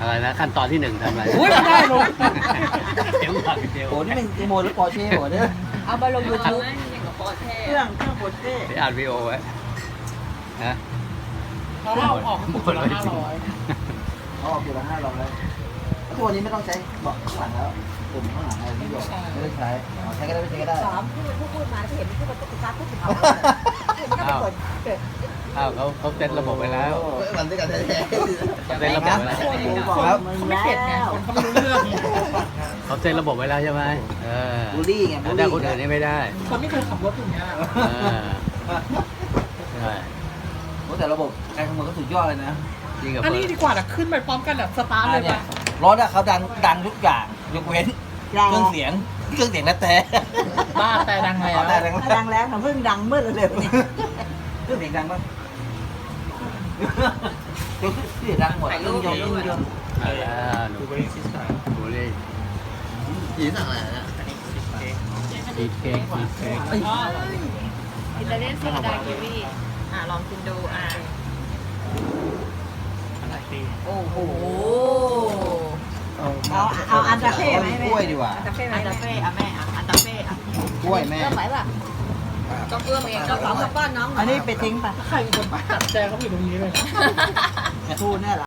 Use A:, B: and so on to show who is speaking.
A: อะไรนะขั้นตอนที่หนึ่งทำอะไร
B: อุ้ยไม่ได้ลง
A: เดี๋ยวก่อนเดี๋ยว
C: โอ้นี่เป็นโมหรือปอร์เช่โหเนี่ย
D: เอามาลงยูทูบ
C: เครื่องปอร์เช่
A: เดี๋ยวอ่านวีโอไว้ฮะ
B: เราเอาออกคนละ500
C: เขาออกอยู่ละ500ตัวนี้ไม่ต้องใช้เบาะข้างหลังแล้วปุ่มข้างหลังอะไรไม่บอกไม่ได้ใช้ใช้ก็ได้ไม่ใช้ก็ได้
D: สามพูดมาเห็นพูดมาตุ๊กตาพูดถึงเอาก็ไปกดเกิด
A: อ้าวเขาเซตระบบไว้แล้ว
C: มันด้วยกันแท้
A: เขาเซตระบบไว้แล้ว
C: บอกแล้ว
B: เขาไม่เข็ดไงคนเขาไม่รู้เรื่อง
A: เขาเซตระบบไว้แล้วใช่ไหม
C: บูลลี่ไงบูล
A: แต่
C: ลี่
A: คนอื่นนี่ไม่ได้
B: คนไม่เคยขับรถอย่างเงี้ย
A: ใช่
C: โอ้แต่ระบบการคำนวณก็สุดยอดเลยนะ
A: จริงกับ
B: อัน
A: เฟิ
B: นี้
A: ร์
B: ดีกว่าแต่ขึ้นไปพร้อมกันแบบสตาร์ทเลย
C: เนี่ย
B: ป่ะ
C: รถอะเขาดังทุกอย่างยกเว้นเครื่องเสียงและแต่
B: บ้าแต่ดังแล้ว
C: แต่ดัง
D: ดังแล้วนะเพิ่งดังเมื่อเร็วๆนี้
C: เครื่องเสียงดังป่ะเครื่องเสียงดังหมดเครื่องยนต์
A: มาแล้วหนูบุรี
C: ยีสั่งอะไรนะ
A: ชีสเค้กชีสเค้ก
D: อิตาเลียนโซดาคิวีลองกินดูโอ้โหเอาอันตาเฟ่ไหม
C: กล้วยดีกว่า
D: อันตาเฟ่ไหมอันตาเฟ่แม่อันตาเฟ่
C: กล้วยแม่
D: เอื้อมไหวป่ะต้องเอื้อมเองก็สองกับป้อนน้องอันนี้ไปทิ้งป่ะ
B: ใครเป็นคนจัดแจงเขาอยู่ตรงนี้เลย
C: ทูเนี่ย